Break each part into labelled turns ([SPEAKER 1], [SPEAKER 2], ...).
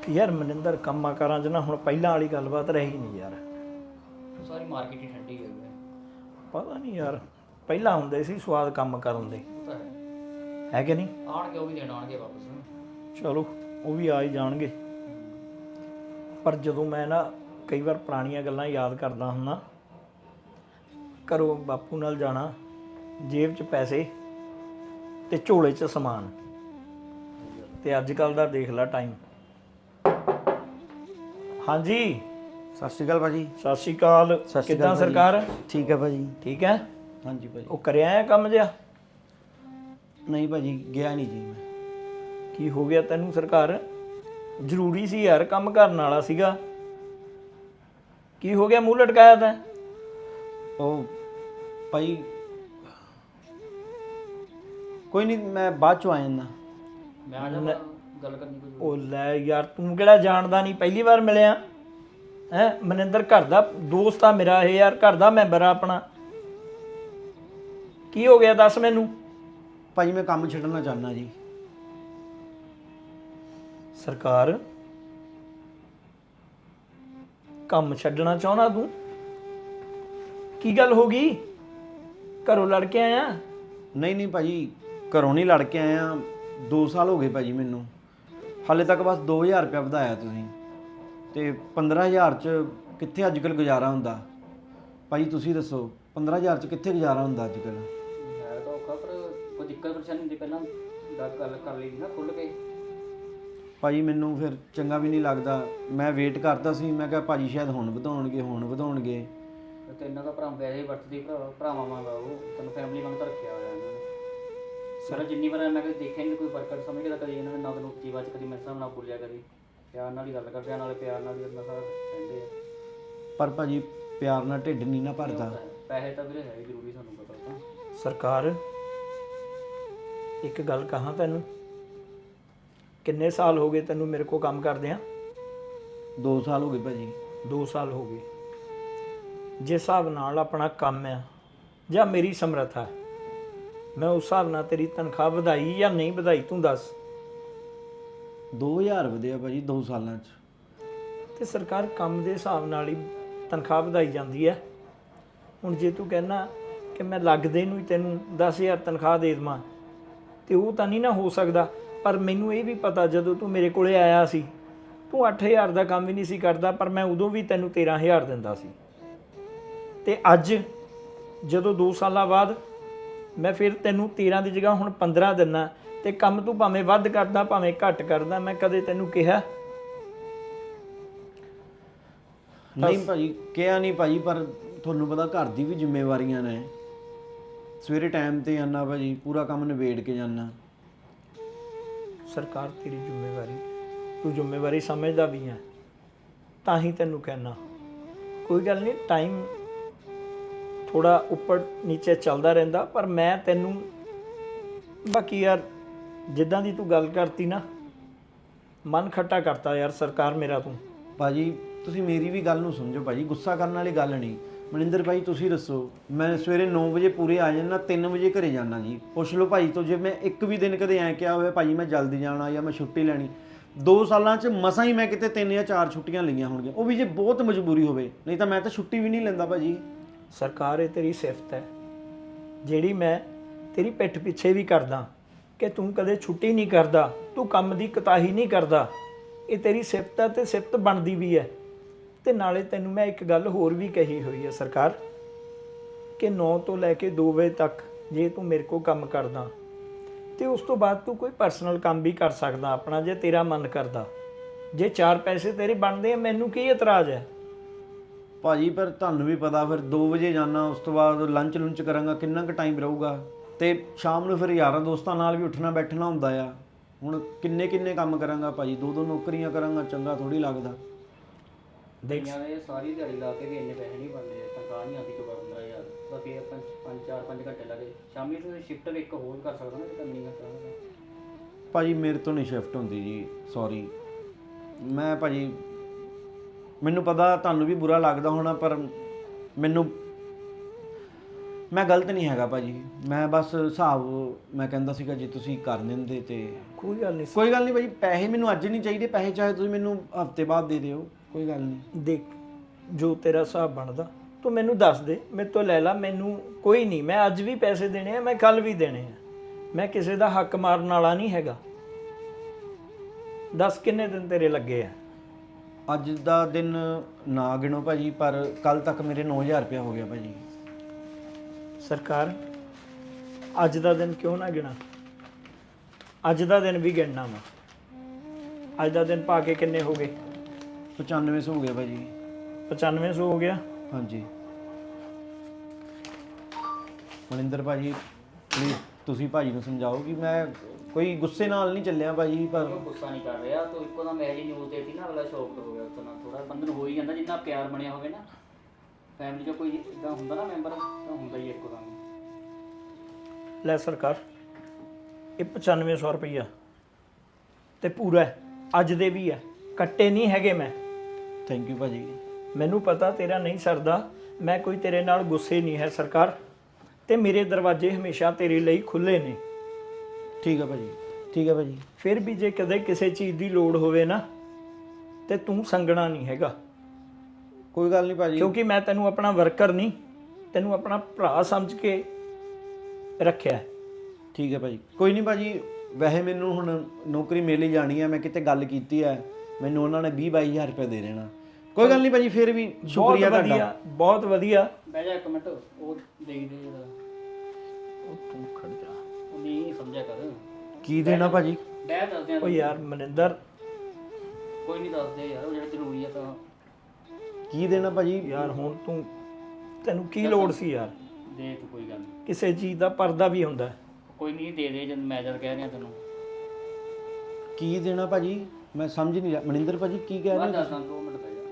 [SPEAKER 1] ਯਾਰ ਮਨਿੰਦਰ ਕੰਮਾਂ ਕਾਰਾਂ 'ਚ ਨਾ ਹੁਣ ਪਹਿਲਾਂ ਵਾਲੀ ਗੱਲਬਾਤ ਰਹੀ ਨਹੀਂ ਯਾਰ।
[SPEAKER 2] ਸਾਰੀ ਮਾਰਕੀਟ ਹੀ ਠੰਡੀ ਹੋ ਗਈ
[SPEAKER 1] ਪਤਾ ਨਹੀਂ ਯਾਰ, ਪਹਿਲਾਂ ਹੁੰਦੇ ਸੀ ਸਵਾਦ ਕੰਮ ਕਰਨ ਦੇ,
[SPEAKER 2] ਉਹ ਤਾਂ
[SPEAKER 1] ਹੈ ਕਿ ਨਹੀਂ?
[SPEAKER 2] ਆਣਗੇ ਉਹ ਵੀ ਦੇਣ ਆਣਗੇ ਵਾਪਸ।
[SPEAKER 1] ਚਲੋ ਉਹ ਵੀ ਆ ਹੀ ਜਾਣਗੇ। ਪਰ ਜਦੋਂ ਮੈਂ ਨਾ ਕਈ ਵਾਰ ਪੁਰਾਣੀਆਂ ਗੱਲਾਂ ਯਾਦ ਕਰਦਾ ਹੁੰਦਾ, ਘਰੋਂ ਬਾਪੂ ਨਾਲ ਜਾਣਾ, ਜੇਬ 'ਚ ਪੈਸੇ ਤੇ ਝੋਲੇ 'ਚ ਸਮਾਨ, ਤੇ ਅੱਜ ਕੱਲ ਦਾ ਦੇਖ ਲੈ ਟਾਈਮ। ਹਾਂਜੀ
[SPEAKER 3] ਸਤਿ ਸ਼੍ਰੀ ਅਕਾਲ ਭਾਜੀ।
[SPEAKER 1] ਸਤਿ ਸ਼੍ਰੀ ਅਕਾਲ। ਕਿੱਦਾਂ ਸਰਕਾਰ?
[SPEAKER 3] ਠੀਕ ਹੈ ਭਾਜੀ।
[SPEAKER 1] ਠੀਕ ਹੈ।
[SPEAKER 3] ਹਾਂਜੀ ਭਾਜੀ।
[SPEAKER 1] ਉਹ ਕਰਿਆ ਆ ਕੰਮ ਜਿਹਾ?
[SPEAKER 3] ਨਹੀਂ ਭਾਜੀ, ਗਿਆ ਨਹੀਂ ਜੀ ਮੈਂ।
[SPEAKER 1] ਕੀ ਹੋ ਗਿਆ ਤੈਨੂੰ ਸਰਕਾਰ? ਜ਼ਰੂਰੀ ਸੀ ਯਾਰ, ਕੰਮ ਕਰਨ ਵਾਲਾ ਸੀਗਾ। ਕੀ ਹੋ ਗਿਆ, ਮੂੰਹ ਲਟਕਾਇਆ ਤੈਂ?
[SPEAKER 3] ਉਹ ਭਾਈ ਕੋਈ ਨਹੀਂ, ਮੈਂ ਬਾਅਦ ਚੋਂ ਆ ਜਾਂਦਾ।
[SPEAKER 2] ਮੈਂ ਆ ਜਾ ਗੱਲ ਕਰਨੀ ਕੋਈ।
[SPEAKER 1] ਉਹ ਲੈ ਯਾਰ, ਤੂੰ ਕਿਹੜਾ ਜਾਣਦਾ ਨਹੀਂ, ਪਹਿਲੀ ਵਾਰ ਮਿਲਿਆ ਹੈ। ਮਨਿੰਦਰ ਘਰ ਦਾ ਦੋਸਤ ਆ ਮੇਰਾ ਇਹ ਯਾਰ, ਘਰ ਦਾ ਮੈਂਬਰ ਆ ਆਪਣਾ। ਕੀ ਹੋ ਗਿਆ ਦੱਸ ਮੈਨੂੰ।
[SPEAKER 3] ਭਾਜੀ ਮੈਂ ਕੰਮ ਛੱਡਣਾ ਚਾਹੁੰਦਾ ਜੀ।
[SPEAKER 1] ਸਰਕਾਰ, ਕੰਮ ਛੱਡਣਾ ਚਾਹੁੰਦਾ ਤੂੰ? ਕੀ ਗੱਲ ਹੋ ਗਈ? ਘਰੋਂ ਲੜ ਕੇ ਆਇਆ?
[SPEAKER 3] ਨਹੀਂ ਭਾਜੀ, ਘਰੋਂ ਨਹੀਂ ਲੜ ਕੇ ਆਇਆ। 2 ਸਾਲ ਹੋ ਗਏ ਭਾਜੀ ਮੈਨੂੰ। ਹਾਲੇ ਤੱਕ ਬਸ 2000 ਰੁਪਇਆ ਵਧਾਇਆ ਤੁਸੀਂ, ਤੇ 15000 ਚ ਕਿੱਥੇ ਅੱਜ ਕੱਲ੍ਹ ਗੁਜ਼ਾਰਾ ਹੁੰਦਾ? ਭਾਜੀ ਤੁਸੀਂ ਦੱਸੋ, 15000 ਚ ਕਿੱਥੇ ਗੁਜ਼ਾਰਾ ਹੁੰਦਾ ਅੱਜ ਕੱਲ੍ਹ?
[SPEAKER 2] ਹੈ ਤਾਂ ਔਖਾ, ਪਰ ਕੋਈ ਦਿੱਕਤ ਪਰੇਸ਼ਾਨੀ ਹੁੰਦੀ ਪਹਿਲਾਂ ਗੱਲ ਕਰ ਲਈ ਨਾ ਖੁੱਲ੍ਹ ਕੇ।
[SPEAKER 3] ਭਾਜੀ ਮੈਨੂੰ ਫਿਰ ਚੰਗਾ ਵੀ ਨਹੀਂ ਲੱਗਦਾ। ਮੈਂ ਵੇਟ ਕਰਦਾ ਸੀ, ਮੈਂ ਕਿਹਾ ਭਾਜੀ ਸ਼ਾਇਦ ਹੁਣ ਵਧਾਉਣਗੇ।
[SPEAKER 2] ਤੇ ਇਹਨਾਂ ਦਾ ਭਰਾ ਵੈਸੇ ਵਰਤਦੀ ਭਰਾਵਾਂ ਵਾਂਗਾ, ਉਹ ਤੈਨੂੰ ਫੈਮਿਲੀ ਵਾਂਗ ਤਾਂ ਰੱਖਿਆ ਹੋਇਆ ਇਹਨਾਂ ਨੇ। ਸਾਰਾ ਜਿੰਨੀ ਵਾਰ ਮੈਂ ਕਦੇ ਦੇਖਿਆ ਨਹੀਂ ਕੋਈ ਵਰਕਰ ਸਮਝ ਕੇ, ਕਦੀ ਇਹਨਾਂ ਨੇ ਨਾ ਤੈਨੂੰ ਉੱਚੀ ਆਵਾਜ਼, ਕਦੀ ਮੇਰੇ ਸਾਹਮਣੇ ਨਾ ਬੋਲਿਆ, ਕਦੀ ਪਿਆਰ ਨਾਲ ਹੀ ਗੱਲ ਕਰਦੇ ਆ, ਨਾਲੇ ਪਿਆਰ ਨਾਲ ਹੀ ਆਪਣਾ ਸਾਰਾ ਰਹਿੰਦੇ ਆ।
[SPEAKER 3] ਪਰ ਭਾਜੀ ਪਿਆਰ ਨਾਲ ਢਿੱਡ ਨਹੀਂ ਨਾ ਭਰਦਾ।
[SPEAKER 2] ਪੈਸੇ ਤਾਂ ਵੀਰੇ ਹੈ ਹੀ ਜ਼ਰੂਰੀ, ਤੁਹਾਨੂੰ ਪਤਾ ਤਾਂ।
[SPEAKER 1] ਸਰਕਾਰ, ਇੱਕ ਗੱਲ ਕਹਾਂ ਤੈਨੂੰ, ਕਿੰਨੇ ਸਾਲ ਹੋ ਗਏ ਤੈਨੂੰ ਮੇਰੇ ਕੋਲ ਕੰਮ ਕਰਦਿਆਂ?
[SPEAKER 3] 2 ਸਾਲ ਹੋ ਗਏ ਭਾਜੀ।
[SPEAKER 1] 2 ਸਾਲ ਹੋ ਗਏ। ਜਿਸ ਹਿਸਾਬ ਨਾਲ ਆਪਣਾ ਕੰਮ ਆ ਜਾਂ ਮੇਰੀ ਸਮਰੱਥਾ, ਮੈਂ ਉਸ ਹਿਸਾਬ ਨਾਲ ਤੇਰੀ ਤਨਖਾਹ ਵਧਾਈ ਜਾਂ ਨਹੀਂ ਵਧਾਈ, ਤੂੰ ਦੱਸ।
[SPEAKER 3] 2000 ਵਧਿਆ ਭਾਜੀ 2 ਸਾਲਾਂ 'ਚ।
[SPEAKER 1] ਤੇ ਸਰਕਾਰ ਕੰਮ ਦੇ ਹਿਸਾਬ ਨਾਲ ਹੀ ਤਨਖਾਹ ਵਧਾਈ ਜਾਂਦੀ ਹੈ। ਹੁਣ ਜੇ ਤੂੰ ਕਹਿਣਾ ਕਿ ਮੈਂ ਲੱਗਦੇ ਨੂੰ ਹੀ ਤੈਨੂੰ 10000 ਤਨਖਾਹ ਦੇ ਦੇਵਾਂ, ਤੇ ਉਹ ਤਾਂ ਨਹੀਂ ਨਾ ਹੋ ਸਕਦਾ। ਪਰ ਮੈਨੂੰ ਇਹ ਵੀ ਪਤਾ, ਜਦੋਂ ਤੂੰ ਮੇਰੇ ਕੋਲੇ ਆਇਆ ਸੀ, ਤੂੰ 8000 ਦਾ ਕੰਮ ਵੀ ਨਹੀਂ ਸੀ ਕਰਦਾ, ਪਰ ਮੈਂ ਉਦੋਂ ਵੀ ਤੈਨੂੰ 13000 ਦਿੰਦਾ ਸੀ। ਤੇ ਅੱਜ ਜਦੋਂ 2 ਸਾਲਾਂ ਬਾਅਦ ਮੈਂ ਫਿਰ ਤੈਨੂੰ 13 ਦੀ ਜਗ੍ਹਾ ਹੁਣ 15 ਦਿੰਦਾ, ਤੇ ਕੰਮ ਤੂੰ ਭਾਵੇਂ ਵੱਧ ਕਰਦਾ ਭਾਵੇਂ ਘੱਟ ਕਰਦਾ, ਮੈਂ ਕਦੇ ਤੈਨੂੰ ਕਿਹਾ?
[SPEAKER 3] ਨਹੀਂ ਭਾਜੀ, ਕਿਹਾ ਨਹੀਂ ਭਾਜੀ, ਪਰ ਤੁਹਾਨੂੰ ਪਤਾ ਘਰ ਦੀ ਵੀ ਜ਼ਿੰਮੇਵਾਰੀਆਂ ਨੇ। ਸਵੇਰੇ ਟਾਈਮ ਤੇ ਆਉਣਾ ਭਾਜੀ, ਪੂਰਾ ਕੰਮ ਨਿਬੇੜ ਕੇ ਜਾਣਾ।
[SPEAKER 1] ਸਰਕਾਰ ਤੇਰੀ ਜ਼ਿੰਮੇਵਾਰੀ, ਤੂੰ ਜ਼ਿੰਮੇਵਾਰੀ ਸਮਝਦਾ ਵੀ ਹੈ, ਤਾਂ ਹੀ ਤੈਨੂੰ ਕਹਿਣਾ। ਕੋਈ ਗੱਲ ਨਹੀਂ, ਟਾਈਮ ਥੋੜਾ ਉੱਪਰ ਨੀਚੇ ਚੱਲਦਾ ਰਹਿੰਦਾ, ਪਰ ਮੈਂ ਤੈਨੂੰ ਬਾਕੀ ਯਾਰ ਜਿੱਦਾਂ ਦੀ ਤੂੰ ਗੱਲ ਕਰਤੀ ਨਾ, ਮਨ ਖੱਟਾ ਕਰਤਾ ਯਾਰ ਸਰਕਾਰ ਮੇਰਾ ਤੂੰ।
[SPEAKER 3] ਭਾਜੀ ਤੁਸੀਂ ਮੇਰੀ ਵੀ ਗੱਲ ਨੂੰ ਸਮਝੋ ਭਾਜੀ, ਗੁੱਸਾ ਕਰਨ ਵਾਲੀ ਗੱਲ ਨਹੀਂ। ਮਨਿੰਦਰ ਭਾਈ ਤੁਸੀਂ ਦੱਸੋ, ਮੈਂ ਸਵੇਰੇ 9 ਵਜੇ ਪੂਰੇ ਆ ਜਾਂਦਾ, 3 ਵਜੇ ਘਰੇ ਜਾਣਾ ਜੀ। ਪੁੱਛ ਲਓ ਭਾਈ ਤੋਂ, ਜੇ ਮੈਂ ਇੱਕ ਵੀ ਦਿਨ ਕਦੇ ਐਂ ਕਿਹਾ ਹੋਇਆ ਭਾਜੀ ਮੈਂ ਜਲਦੀ ਜਾਣਾ ਜਾਂ ਮੈਂ ਛੁੱਟੀ ਲੈਣੀ, 2 ਸਾਲਾਂ 'ਚ ਮਸਾਂ ਹੀ ਮੈਂ ਕਿਤੇ 3 ਜਾਂ 4 ਛੁੱਟੀਆਂ ਲਈਆਂ ਹੋਣਗੀਆਂ, ਉਹ ਵੀ ਜੇ ਬਹੁਤ ਮਜਬੂਰੀ ਹੋਵੇ, ਨਹੀਂ ਤਾਂ ਮੈਂ ਤਾਂ ਛੁੱਟੀ ਵੀ ਨਹੀਂ ਲੈਂਦਾ ਭਾਜੀ।
[SPEAKER 1] ਸਰਕਾਰ, ਇਹ ਤੇਰੀ ਸਿਫਤ ਹੈ ਜਿਹੜੀ ਮੈਂ ਤੇਰੀ ਪਿੱਠ ਪਿੱਛੇ ਵੀ ਕਰਦਾ, ਕਿ ਤੂੰ ਕਦੇ ਛੁੱਟੀ ਨਹੀਂ ਕਰਦਾ, ਤੂੰ ਕੰਮ ਦੀ ਕੁਤਾਹੀ ਨਹੀਂ ਕਰਦਾ। ਇਹ ਤੇਰੀ ਸਿਫਤ ਹੈ ਤੇ ਸਿਫਤ ਬਣਦੀ ਵੀ ਹੈ। ਤੇ ਨਾਲੇ ਤੈਨੂੰ ਮੈਂ ਇੱਕ ਗੱਲ ਹੋਰ ਵੀ ਕਹੀ ਹੋਈ ਹੈ ਸਰਕਾਰ, ਕਿ 9 ਤੋਂ ਲੈ ਕੇ 2 ਵਜੇ ਤੱਕ ਜੇ ਤੂੰ ਮੇਰੇ ਕੋਲ ਕੰਮ ਕਰਦਾ, ਤੇ ਉਸ ਤੋਂ ਬਾਅਦ ਤੂੰ ਕੋਈ ਪਰਸਨਲ ਕੰਮ ਵੀ ਕਰ ਸਕਦਾ ਆਪਣਾ, ਜੇ ਤੇਰਾ ਮਨ ਕਰਦਾ। ਜੇ 4 ਪੈਸੇ ਤੇਰੇ ਬਣਦੇ ਆ, ਮੈਨੂੰ ਕੀ ਇਤਰਾਜ਼ ਹੈ?
[SPEAKER 3] ਭਾਜੀ ਪਰ ਤੁਹਾਨੂੰ ਵੀ ਪਤਾ, ਫਿਰ 2 ਵਜੇ ਜਾਣਾ, ਉਸ ਤੋਂ ਬਾਅਦ ਲੰਚ ਕਰਾਂਗਾ, ਕਿੰਨਾ ਕੁ ਟਾਈਮ ਰਹੂਗਾ, ਤੇ ਸ਼ਾਮ ਨੂੰ ਫਿਰ ਯਾਰਾਂ ਦੋਸਤਾਂ ਨਾਲ ਵੀ ਉੱਠਣਾ ਬੈਠਣਾ ਹੁੰਦਾ ਆ। ਹੁਣ ਕਿੰਨੇ ਕੰਮ ਕਰਾਂਗਾ ਭਾਜੀ, 2 ਨੌਕਰੀਆਂ ਕਰਾਂਗਾ, ਚੰਗਾ ਥੋੜੀ ਲੱਗਦਾ।
[SPEAKER 2] ਦੁਨੀਆ ਦੇ ਸਾਰੀ ਦਿਹਾੜੀ ਲਾ ਕੇ ਵੀ ਇੰਨੇ ਪੈਸੇ ਨਹੀਂ ਬਣਦੇ, ਤਨਖਾਹ ਨਹੀਂ ਆਉਂਦੀ 15,000 ਤਾਂ ਫਿਰ 5 ਘੰਟੇ ਲੱਗੇ। ਸ਼ਾਮੀ ਤੁਸੀਂ ਸ਼ਿਫਟ ਵੀ ਇੱਕ ਹੋਰ ਕਰ ਸਕਦਾ ਨਾ, ਜੇ ਕਰਨੀ ਹੈ ਤਾਂ।
[SPEAKER 3] ਭਾਜੀ ਮੇਰੇ ਤੋਂ ਨਹੀਂ ਸ਼ਿਫਟ ਹੁੰਦੀ ਜੀ, ਸੌਰੀ। ਮੈਂ ਭਾਜੀ, ਮੈਨੂੰ ਪਤਾ ਤੁਹਾਨੂੰ ਵੀ ਬੁਰਾ ਲੱਗਦਾ ਹੋਣਾ, ਪਰ ਮੈਨੂੰ ਮੈਂ ਗਲਤ ਨਹੀਂ ਹੈਗਾ ਭਾਜੀ, ਮੈਂ ਬਸ ਹਿਸਾਬ ਮੈਂ ਕਹਿੰਦਾ ਸੀਗਾ ਜੇ ਤੁਸੀਂ ਕਰ ਦਿੰਦੇ ਤੇ
[SPEAKER 1] ਕੋਈ ਗੱਲ ਨਹੀਂ
[SPEAKER 3] ਕੋਈ ਗੱਲ ਨਹੀਂ ਭਾਜੀ, ਪੈਸੇ ਮੈਨੂੰ ਅੱਜ ਨਹੀਂ ਚਾਹੀਦੇ, ਪੈਸੇ ਚਾਹੇ ਤੁਸੀਂ ਮੈਨੂੰ ਹਫਤੇ ਬਾਅਦ ਦੇ ਦਿਓ, ਕੋਈ ਗੱਲ ਨਹੀਂ।
[SPEAKER 1] ਦੇਖ, ਜੋ ਤੇਰਾ ਹਿਸਾਬ ਬਣਦਾ ਤੂੰ ਮੈਨੂੰ ਦੱਸ ਦੇ, ਮੇਰੇ ਤੋਂ ਲੈ ਲਾ, ਮੈਨੂੰ ਕੋਈ ਨਹੀਂ, ਮੈਂ ਅੱਜ ਵੀ ਪੈਸੇ ਦੇਣੇ ਆ, ਮੈਂ ਕੱਲ ਵੀ ਦੇਣੇ ਆ, ਮੈਂ ਕਿਸੇ ਦਾ ਹੱਕ ਮਾਰਨ ਵਾਲਾ ਨਹੀਂ ਹੈਗਾ। ਦੱਸ ਕਿੰਨੇ ਦਿਨ ਤੇਰੇ ਲੱਗੇ ਆ?
[SPEAKER 3] ਅੱਜ ਦਾ ਦਿਨ ਨਾ ਗਿਣੋ ਭਾਜੀ, ਪਰ ਕੱਲ ਤੱਕ ਮੇਰੇ 9000 ਰੁਪਇਆ ਹੋ ਗਿਆ ਭਾਜੀ।
[SPEAKER 1] ਸਰਕਾਰ, ਅੱਜ ਦਾ ਦਿਨ ਕਿਉਂ ਨਾ ਗਿਣਾ? ਅੱਜ ਦਾ ਦਿਨ ਵੀ ਗਿਣਨਾ ਵਾ। ਅੱਜ ਦਾ ਦਿਨ ਪਾ ਕੇ ਕਿੰਨੇ ਹੋ ਗਏ?
[SPEAKER 3] 9500 ਹੋ ਗਿਆ ਭਾਜੀ।
[SPEAKER 1] 9500 ਹੋ ਗਿਆ।
[SPEAKER 3] ਹਾਂਜੀ ਮਨਿੰਦਰ ਭਾਜੀ, ਪਲੀਜ਼ ਤੁਸੀਂ ਭਾਜੀ ਨੂੰ ਸਮਝਾਓ ਕਿ ਮੈਂ ਕੋਈ ਗੁੱਸੇ ਨਾਲ ਨਹੀਂ ਚੱਲਿਆ ਭਾਜੀ, ਪਰ
[SPEAKER 2] ਉਹ ਗੁੱਸਾ ਨਹੀਂ ਕਰ ਰਿਹਾ ਤੂੰ, ਇੱਕੋ ਦਮ ਇਹ ਜੀ ਨਿਊਜ਼ ਦੇਤੀ ਨਾ, ਅਗਲਾ ਸ਼ੌਕ ਹੋ ਗਿਆ। ਉਸ ਨਾਲ ਥੋੜਾ ਬੰਦੇ ਨੂੰ ਹੋ ਹੀ ਜਾਂਦਾ, ਜਿੰਨਾ ਪਿਆਰ ਬਣਿਆ ਹੋਵੇ ਨਾ ਫੈਮਿਲੀ 'ਚ, ਕੋਈ ਇਦਾਂ ਹੁੰਦਾ ਨਾ ਮੈਂਬਰ, ਤਾਂ ਹੁੰਦਾ ਹੀ ਇੱਕੋ ਦਮ।
[SPEAKER 1] ਲੈ ਸਰਕਾਰ, ਇਹ 9500 ਰੁਪਈਆ ਤੇ ਪੂਰਾ ਹੈ, ਅੱਜ ਦੇ ਵੀ ਹੈ, ਕੱਟੇ ਨਹੀਂ ਹੈਗੇ ਮੈਂ।
[SPEAKER 3] ਥੈਂਕ ਯੂ ਭਾਜੀ।
[SPEAKER 1] ਮੈਨੂੰ ਪਤਾ ਤੇਰਾ ਨਹੀਂ ਸਰਦਾ, ਮੈਂ ਕੋਈ ਤੇਰੇ ਨਾਲ ਗੁੱਸੇ ਨਹੀਂ ਹੈ ਸਰਕਾਰ, ਤੇ ਮੇਰੇ ਦਰਵਾਜ਼ੇ ਹਮੇਸ਼ਾ ਤੇਰੇ ਲਈ ਖੁੱਲੇ ਨੇ।
[SPEAKER 3] ਠੀਕ ਹੈ ਭਾਜੀ, ਠੀਕ ਹੈ ਭਾਜੀ।
[SPEAKER 1] ਫਿਰ ਵੀ ਜੇ ਕਦੇ ਕਿਸੇ ਚੀਜ਼ ਦੀ ਲੋੜ ਹੋਵੇ ਨਾ, ਤੇ ਤੂੰ ਸੰਗਣਾ ਨਹੀਂ ਹੈਗਾ,
[SPEAKER 3] ਕੋਈ ਗੱਲ ਨਹੀਂ ਭਾਜੀ।
[SPEAKER 1] ਕਿਉਂਕਿ ਮੈਂ ਤੈਨੂੰ ਆਪਣਾ ਵਰਕਰ ਨਹੀਂ, ਤੈਨੂੰ ਆਪਣਾ ਭਰਾ ਸਮਝ ਕੇ ਰੱਖਿਆ ਹੈ।
[SPEAKER 3] ਠੀਕ ਹੈ ਭਾਜੀ, ਕੋਈ ਨਹੀਂ ਭਾਜੀ। ਵੈਸੇ ਮੈਨੂੰ ਹੁਣ ਨੌਕਰੀ ਮਿਲ ਹੀ ਜਾਣੀ ਹੈ, ਮੈਂ ਕਿਤੇ ਗੱਲ ਕੀਤੀ ਹੈ, ਮੈਨੂੰ ਉਹਨਾਂ ਨੇ 20-22 ਹਜ਼ਾਰ ਰੁਪਏ ਦੇ ਦੇਣਾ। ਕੋਈ ਗੱਲ ਨਹੀਂ ਭਾਜੀ, ਫਿਰ ਵੀ ਸ਼ੁਕਰੀਆ
[SPEAKER 1] ਬਹੁਤ
[SPEAKER 3] ਤੁਹਾਡਾ।
[SPEAKER 1] ਵਧੀਆ, ਬਹੁਤ ਵਧੀਆ।
[SPEAKER 2] ਬਹਿ ਜਾ ਇੱਕ ਮਿੰਟ, ਉਹ ਦੇਖਦੇ ਜਰਾ,
[SPEAKER 1] ਉਹ ਤੂੰ ਖੜ ਜਾ।
[SPEAKER 2] ਉਹ ਨਹੀਂ ਸਮਝਿਆ ਕਰ।
[SPEAKER 3] ਕੀ ਦੇਣਾ ਭਾਜੀ?
[SPEAKER 2] ਬਹਿ ਦੱਸਦੇ ਆ
[SPEAKER 1] ਉਹ ਯਾਰ ਮਨਿੰਦਰ,
[SPEAKER 2] ਕੋਈ ਨਹੀਂ ਦੱਸਦੇ ਯਾਰ, ਉਹ ਜਿਹੜਾ ਜ਼ਰੂਰੀ ਆ ਤਾਂ
[SPEAKER 3] ਕੀ ਦੇਣਾ ਭਾਜੀ?
[SPEAKER 1] ਯਾਰ ਹੁਣ ਤੈਨੂੰ ਕੀ ਲੋੜ ਸੀ ਯਾਰ?
[SPEAKER 2] ਦੇ ਤੂੰ, ਕੋਈ ਗੱਲ ਨਹੀਂ।
[SPEAKER 1] ਕਿਸੇ ਚੀਜ਼ ਦਾ ਪਰਦਾ ਵੀ ਹੁੰਦਾ ਹੈ।
[SPEAKER 2] ਕੋਈ ਨਹੀਂ ਦੇ ਦੇ, ਜਦ ਮੈਂ ਜਦ ਕਹਿ ਰਿਹਾ ਤੈਨੂੰ।
[SPEAKER 3] ਕੀ ਦੇਣਾ ਭਾਜੀ? ਮੈਂ ਸਮਝ ਨਹੀਂ ਰਿਹਾ। ਮਨਿੰਦਰ ਭਾਜੀ ਕੀ ਕਹਿ ਰਹੇ
[SPEAKER 2] ਬਾਅਦ
[SPEAKER 3] ਹੋ?
[SPEAKER 2] ਦੱਸਦਾ, 2 ਮਿੰਟ ਪੈ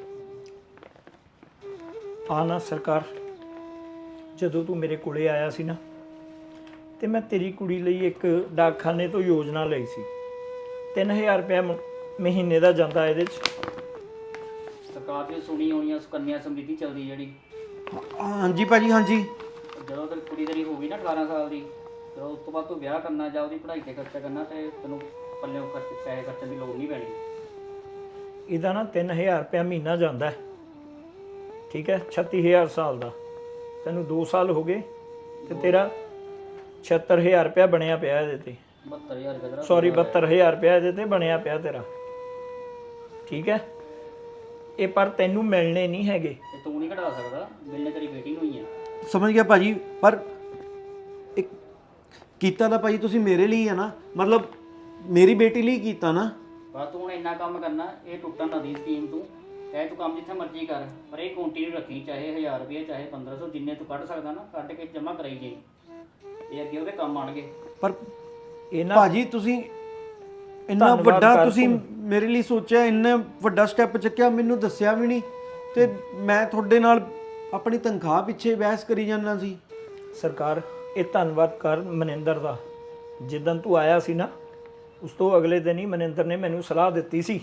[SPEAKER 2] ਜਾ।
[SPEAKER 1] ਆ ਨਾ ਸਰਕਾਰ, ਜਦੋਂ ਤੂੰ ਮੇਰੇ ਕੋਲੇ ਆਇਆ ਸੀ ਨਾ, ਤੇ ਮੈਂ ਤੇਰੀ ਕੁੜੀ ਲਈ ਇੱਕ ਡਾਕਖਾਨੇ ਤੋਂ ਯੋਜਨਾ ਲਈ ਸੀ। 3000 ਰੁਪਏ ਮਹੀਨੇ ਦਾ ਜਾਂਦਾ ਇਹਦੇ 'ਚ।
[SPEAKER 2] ਸਰਕਾਰ ਦੀ ਸੁਣੀ ਹੋਣੀ ਆ, ਸੁਕੰਨਿਆ ਸਮ੍ਰਿਤੀ ਚੱਲਦੀ ਜਿਹੜੀ,
[SPEAKER 3] ਹਾਂਜੀ ਭਾਜੀ, ਹਾਂਜੀ।
[SPEAKER 2] ਜਦੋਂ ਤੇਰੀ ਕੁੜੀ ਤੇਰੀ ਹੋ ਗਈ ਨਾ 18 ਸਾਲ ਦੀ, ਜਦੋਂ ਉਸ ਤੋਂ ਬਾਅਦ ਤੂੰ ਵਿਆਹ ਕਰਨਾ ਜਾਂ ਉਹਦੀ ਪੜ੍ਹਾਈ ਤੇ ਖਰਚਾ ਕਰਨਾ, ਤੇ ਤੈਨੂੰ ਪੱਲੇ ਪੈਸੇ ਖਰਚਣ ਦੀ ਲੋੜ ਨਹੀਂ ਪੈਣੀ।
[SPEAKER 1] ਇਹਦਾ ਨਾ 3000 ਰੁਪਏ ਮਹੀਨਾ ਜਾਂਦਾ ਹੈ, ਠੀਕ ਹੈ? 36000 ਸਾਲ ਦਾ, ਤੈਨੂੰ 2 ਸਾਲ ਹੋ ਗਏ, ਤੇ ਤੇਰਾ 76000 ਰੁਪਏ ਬਣਿਆ ਪਿਆ ਇਹਦੇ ਤੇ।
[SPEAKER 2] 72000 ਰੁਪਏ ਦਾ,
[SPEAKER 1] ਸੌਰੀ 72000 ਰੁਪਏ ਇਹਦੇ ਤੇ ਬਣਿਆ ਪਿਆ ਤੇਰਾ, ਠੀਕ ਹੈ? ਇਹ ਪਰ ਤੈਨੂੰ ਮਿਲਣੇ ਨਹੀਂ ਹੈਗੇ।
[SPEAKER 2] ਤੇ ਤੂੰ ਨਹੀਂ ਕਢਾ ਸਕਦਾ, ਮਿਲਨੇ ਤੇਰੀ ਬੇਟੀ ਨੂੰ ਹੀ ਆ।
[SPEAKER 3] ਸਮਝ ਗਿਆ ਭਾਜੀ, ਪਰ ਇੱਕ ਕੀਤਾ ਤਾਂ ਭਾਜੀ ਤੁਸੀਂ ਮੇਰੇ ਲਈ ਹੈ ਨਾ, ਮਤਲਬ ਮੇਰੀ ਬੇਟੀ ਲਈ ਕੀਤਾ ਨਾ।
[SPEAKER 2] ਪਰ ਤੂੰ ਹੁਣ ਇੰਨਾ ਕੰਮ ਕਰਨਾ, ਇਹ ਟੁੱਟਣ ਨਾ ਦੀ ਸਕੀਮ ਤੂੰ, ਚਾਹੇ ਤੂੰ ਕੰਮ ਜਿੱਥੇ ਮਰਜ਼ੀ ਕਰ, ਪਰ ਇਹ ਕੰਟੀਨਿਊ ਰੱਖੀ, ਚਾਹੇ 1000 ਰੁਪਏ ਚਾਹੇ 1500, ਜਿੰਨੇ ਤੂੰ ਕੱਢ ਸਕਦਾ ਨਾ ਕੱਢ ਕੇ ਜਮ੍ਹਾਂ ਕਰਾਈ ਜਾਈ, ਇਹ ਅੱਗੇ ਉਹਦੇ ਕੰਮ ਆਣਗੇ।
[SPEAKER 3] ਪਰ
[SPEAKER 1] ਇਹ ਨਾ
[SPEAKER 3] ਭਾਜੀ ਤੁਸੀਂ ਇੰਨਾ
[SPEAKER 1] ਧੰਨਵਾਦ
[SPEAKER 3] ਵੱਡਾ
[SPEAKER 1] ਕਰ
[SPEAKER 3] ਤੁਸੀਂ
[SPEAKER 1] ਤੂੰ।
[SPEAKER 3] ਮੇਰੇ ਲਈ ਸੋਚਿਆ, ਇੰਨਾ ਵੱਡਾ ਸਟੈਪ ਚੱਕਿਆ, ਮੈਨੂੰ ਦੱਸਿਆ ਵੀ ਨਹੀਂ, ਤੇ ਮੈਂ ਤੁਹਾਡੇ ਨਾਲ ਆਪਣੀ ਤਨਖਾਹ ਪਿੱਛੇ ਬਹਿਸ ਕਰੀ ਜਾਂਦਾ ਸੀ।
[SPEAKER 1] ਸਰਕਾਰ, ਇਹ ਧੰਨਵਾਦ ਕਰ ਮਨਿੰਦਰ ਦਾ। ਜਿੱਦਣ ਤੂੰ ਆਇਆ ਸੀ ਨਾ, ਉਸ ਤੋਂ ਅਗਲੇ ਦਿਨ ਹੀ ਮਨਿੰਦਰ ਨੇ ਮੈਨੂੰ ਸਲਾਹ ਦਿੱਤੀ ਸੀ।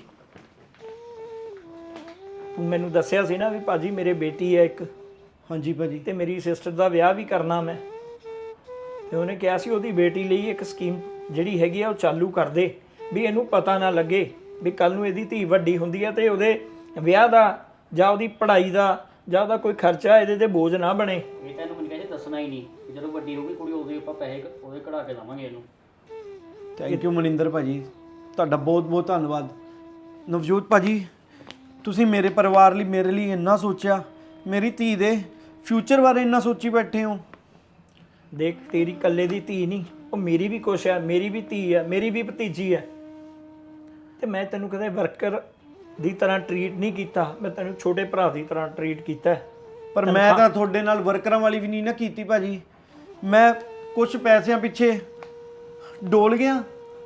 [SPEAKER 1] ਤੂੰ ਮੈਨੂੰ ਦੱਸਿਆ ਸੀ ਨਾ ਵੀ ਭਾਜੀ ਮੇਰੇ ਬੇਟੀ ਹੈ ਇੱਕ,
[SPEAKER 3] ਹਾਂਜੀ ਭਾਜੀ।
[SPEAKER 1] ਤੇ ਮੇਰੀ ਸਿਸਟਰ ਦਾ ਵਿਆਹ ਵੀ ਕਰਨਾ ਮੈਂ, ਤੇ ਉਹਨੇ ਕਿਹਾ ਸੀ ਉਹਦੀ ਬੇਟੀ ਲਈ ਇੱਕ ਸਕੀਮ ਜਿਹੜੀ ਹੈਗੀ ਆ ਉਹ ਚਾਲੂ ਕਰ ਦੇ, ਵੀ ਇਹਨੂੰ ਪਤਾ ਨਾ ਲੱਗੇ ਵੀ ਕੱਲ ਨੂੰ ਇਹਦੀ ਧੀ ਵੱਡੀ ਹੁੰਦੀ ਹੈ ਤੇ ਉਹਦੇ ਵਿਆਹ ਦਾ ਜਾਂ ਉਹਦੀ ਪੜ੍ਹਾਈ ਦਾ ਜਾਂ ਉਹਦਾ ਕੋਈ ਖਰਚਾ ਇਹਦੇ ਤੇ ਬੋਝ ਨਾ ਬਣੇ।
[SPEAKER 2] ਇਹ ਤੈਨੂੰ ਮੈਨੂੰ ਕਹਿੰਦੇ ਦੱਸਣਾ ਹੀ ਨਹੀਂ, ਜਦੋਂ ਵੱਡੀ ਹੋਊਗੀ ਕੁੜੀ ਉਦੋਂ ਹੀ ਆਪਾਂ ਪੈਸੇ ਉਹਦੇ ਕਢਾ ਕੇ ਦੇਵਾਂਗੇ ਇਹਨੂੰ।
[SPEAKER 3] ਥੈਂਕ ਯੂ ਮਨਿੰਦਰ ਭਾਜੀ, ਤੁਹਾਡਾ ਬਹੁਤ ਬਹੁਤ ਧੰਨਵਾਦ। ਨਵਜੋਤ ਭਾਜੀ, ਤੁਸੀਂ ਮੇਰੇ ਪਰਿਵਾਰ ਲਈ, ਮੇਰੇ ਲਈ ਇੰਨਾ ਸੋਚਿਆ, ਮੇਰੀ ਧੀ ਦੇ ਫਿਊਚਰ ਬਾਰੇ ਇੰਨਾ ਸੋਚੀ ਬੈਠੇ ਹੋ।
[SPEAKER 1] ਦੇਖ, ਤੇਰੀ ਇਕੱਲੇ ਦੀ ਧੀ ਨਹੀਂ, ਉਹ ਮੇਰੀ ਵੀ ਕੁਛ ਹੈ, ਮੇਰੀ ਵੀ ਧੀ ਹੈ, ਮੇਰੀ ਵੀ ਭਤੀਜੀ ਹੈ, ਤੇ ਮੈਂ ਤੈਨੂੰ ਕਦੇ ਵਰਕਰ ਦੀ ਤਰ੍ਹਾਂ ਟਰੀਟ ਨਹੀਂ ਕੀਤਾ, ਮੈਂ ਤੈਨੂੰ ਛੋਟੇ ਭਰਾ ਦੀ ਤਰ੍ਹਾਂ ਟਰੀਟ ਕੀਤਾ।
[SPEAKER 3] ਪਰ ਮੈਂ ਤਾਂ ਤੁਹਾਡੇ ਨਾਲ ਵਰਕਰਾਂ ਵਾਲੀ ਵੀ ਨਹੀਂ ਨਾ ਕੀਤੀ ਭਾਜੀ। ਮੈਂ ਕੁਝ ਪੈਸਿਆਂ ਪਿੱਛੇ ਡੋਲ ਗਿਆ,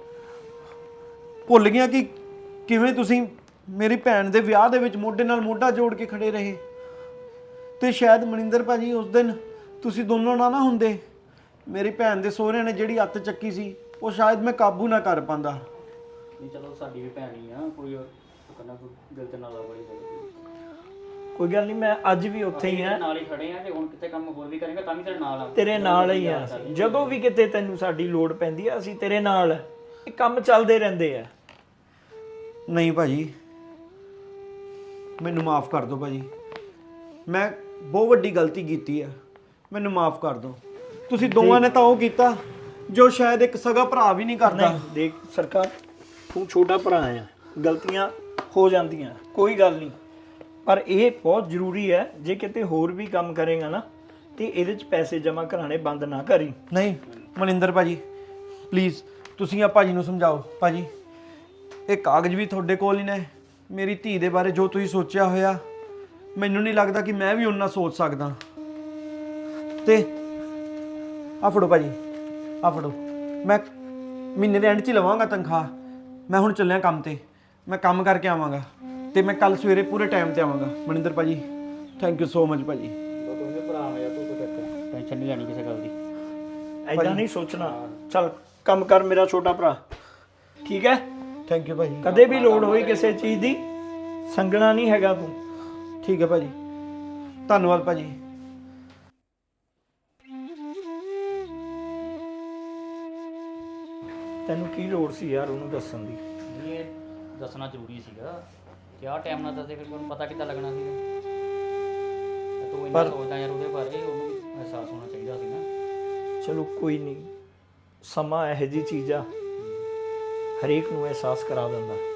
[SPEAKER 3] ਭੁੱਲ ਗਿਆ ਕਿ ਕਿਵੇਂ ਤੁਸੀਂ ਮੇਰੀ ਭੈਣ ਦੇ ਵਿਆਹ ਦੇ ਵਿੱਚ ਮੋਢੇ ਨਾਲ ਮੋਢਾ ਜੋੜ ਕੇ ਖੜੇ ਰਹੇ। ਤੇ ਸ਼ਾਇਦ ਮਨਿੰਦਰ ਭਾਜੀ ਉਸ ਦਿਨ ਤੁਸੀਂ ਦੋਨੋਂ ਨਾ ਹੁੰਦੇ, ਮੇਰੀ ਭੈਣ ਦੇ ਸਹੁਰਿਆਂ ਨੇ ਜਿਹੜੀ ਅੱਤ ਚੱਕੀ ਸੀ, ਉਹ ਸ਼ਾਇਦ ਮੈਂ ਕਾਬੂ ਨਾ ਕਰ ਪਾਉਂਦਾ।
[SPEAKER 2] ਨਹੀਂ ਚਲੋ ਸਾਡੀ ਵੀ ਭੈਣ ਹੀ ਆ, ਕੋਈ ਕਰਨਾ, ਕੋਈ ਦਿਲ ਤੇ ਨਾ ਲਾ ਬੜੀ ਗੱਲ।
[SPEAKER 1] ਕੋਈ ਗੱਲ ਨਹੀਂ, ਮੈਂ ਅੱਜ ਵੀ ਉੱਥੇ ਹੀ ਆ,
[SPEAKER 2] ਨਾਲ ਹੀ ਖੜੇ ਆ, ਤੇ ਹੁਣ ਕਿਤੇ ਕੰਮ ਹੋਰ ਵੀ ਕਰੇਗਾ ਤਾਂ ਵੀ ਤੇਰੇ ਨਾਲ ਆ,
[SPEAKER 1] ਤੇਰੇ ਨਾਲ ਹੀ ਆ। ਜਦੋਂ ਵੀ ਕਿਤੇ ਤੈਨੂੰ ਸਾਡੀ ਲੋੜ ਪੈਂਦੀ ਆ ਅਸੀਂ ਤੇਰੇ ਨਾਲ ਆ। ਇਹ ਕੰਮ ਚੱਲਦੇ ਰਹਿੰਦੇ ਆ।
[SPEAKER 3] ਨਹੀਂ ਭਾਜੀ, ਮੈਨੂੰ ਮਾਫ ਕਰ ਦਿਓ ਭਾਜੀ, ਮੈਂ ਬਹੁਤ ਵੱਡੀ ਗਲਤੀ ਕੀਤੀ ਆ, ਮੈਨੂੰ ਮਾਫ ਕਰ ਦਿਓ। ਤੁਸੀਂ ਦੋਵਾਂ ਨੇ ਤਾਂ ਉਹ ਕੀਤਾ ਜੋ ਸ਼ਾਇਦ ਇੱਕ ਸਗਾ ਭਰਾ ਵੀ ਨਹੀਂ ਕਰਦਾ।
[SPEAKER 1] ਨਹੀਂ ਦੇਖ ਸਰਕਾਰ, ਤੂੰ ਛੋਟਾ ਭਰਾ ਆ, ਗਲਤੀਆਂ ਹੋ ਜਾਂਦੀਆਂ, ਕੋਈ ਗੱਲ ਨਹੀਂ, ਪਰ ਇਹ ਬਹੁਤ ਜ਼ਰੂਰੀ ਹੈ। ਜੇ ਕਿਤੇ ਹੋਰ ਵੀ ਕੰਮ ਕਰੇਗਾ ਨਾ ਤੇ ਇਹਦੇ 'ਚ ਪੈਸੇ ਜਮ੍ਹਾਂ ਕਰਾਣੇ ਬੰਦ ਨਾ ਕਰੀ।
[SPEAKER 3] ਨਹੀਂ ਮਨਿੰਦਰ ਭਾਜੀ, ਪਲੀਜ਼ ਤੁਸੀਂ ਆ ਭਾਜੀ ਨੂੰ ਸਮਝਾਓ। ਭਾਜੀ ਇਹ ਕਾਗਜ਼ ਵੀ ਤੁਹਾਡੇ ਕੋਲ ਹੀ ਨੇ। ਮੇਰੀ ਧੀ ਦੇ ਬਾਰੇ ਜੋ ਤੁਸੀਂ ਸੋਚਿਆ ਹੋਇਆ, ਮੈਨੂੰ ਨਹੀਂ ਲੱਗਦਾ ਕਿ ਮੈਂ ਵੀ ਉਹਨਾਂ ਸੋਚ ਸਕਦਾ। ਤੇ ਆ ਫੜੋ ਭਾਜੀ, ਆ ਫੜੋ, ਮੈਂ ਮਹੀਨੇ ਦੇ ਐਂਡ 'ਚ ਹੀ ਲਵਾਂਗਾ ਤਨਖਾਹ। ਮੈਂ ਹੁਣ ਚੱਲਿਆ ਕੰਮ ਤੇ, ਮੈਂ ਕੰਮ ਕਰਕੇ ਆਵਾਂਗਾ ਤੇ ਮੈਂ ਕੱਲ ਸਵੇਰੇ ਪੂਰੇ ਟਾਈਮ ਤੇ ਆਵਾਂਗਾ। ਮਨਿੰਦਰ ਭਾਜੀ ਥੈਂਕ ਯੂ ਸੋ ਮਚ ਭਾਜੀ।
[SPEAKER 2] ਤੂੰ ਭਰਾ ਮੇਰਾ, ਤੂੰ ਟੈਨਸ਼ਨ ਨਹੀਂ ਲੈਣੀ ਕਿਸੇ ਗੱਲ ਦੀ।
[SPEAKER 1] ਐਦਾਂ ਨਹੀਂ ਸੋਚਣਾ। ਚੱਲ ਕੰਮ ਕਰ ਮੇਰਾ ਛੋਟਾ ਭਰਾ, ਠੀਕ ਹੈ?
[SPEAKER 3] ਥੈਂਕ ਯੂ ਭਾਜੀ।
[SPEAKER 1] ਕਦੇ ਵੀ ਲੋੜ ਹੋਈ ਕਿਸੇ ਚੀਜ਼ ਦੀ, ਸੰਗਣਾ ਨਹੀਂ ਹੈਗਾ ਤੂੰ।
[SPEAKER 3] ਠੀਕ ਹੈ ਭਾਜੀ, ਧੰਨਵਾਦ ਭਾਜੀ।
[SPEAKER 1] ਤੈਨੂੰ ਕੀ ਲੋੜ ਸੀ ਯਾਰ ਉਹਨੂੰ ਦੱਸਣ ਦੀ?
[SPEAKER 2] ਇਹ ਦੱਸਣਾ ਜ਼ਰੂਰੀ ਸੀਗਾ ਕਿ ਆਹ ਟਾਈਮ ਨਾਲ ਦੱਸਦੇ, ਫਿਰ ਉਹਨੂੰ ਪਤਾ ਕਿੱਦਾਂ ਲੱਗਣਾ ਸੀਗਾ। ਤੇ ਤੂੰ ਇੰਨਾ ਸੋਚਦਾ ਯਾਰ ਉਹਦੇ ਬਾਰੇ, ਉਹਨੂੰ ਵੀ ਅਹਿਸਾਸ ਹੋਣਾ ਚਾਹੀਦਾ ਸੀ ਨਾ।
[SPEAKER 1] ਚਲੋ ਕੋਈ ਨਹੀਂ, ਸਮਾਂ ਇਹੋ ਜਿਹੀ ਚੀਜ਼ ਆ, ਹਰੇਕ ਨੂੰ ਅਹਿਸਾਸ ਕਰਾ ਦਿੰਦਾ।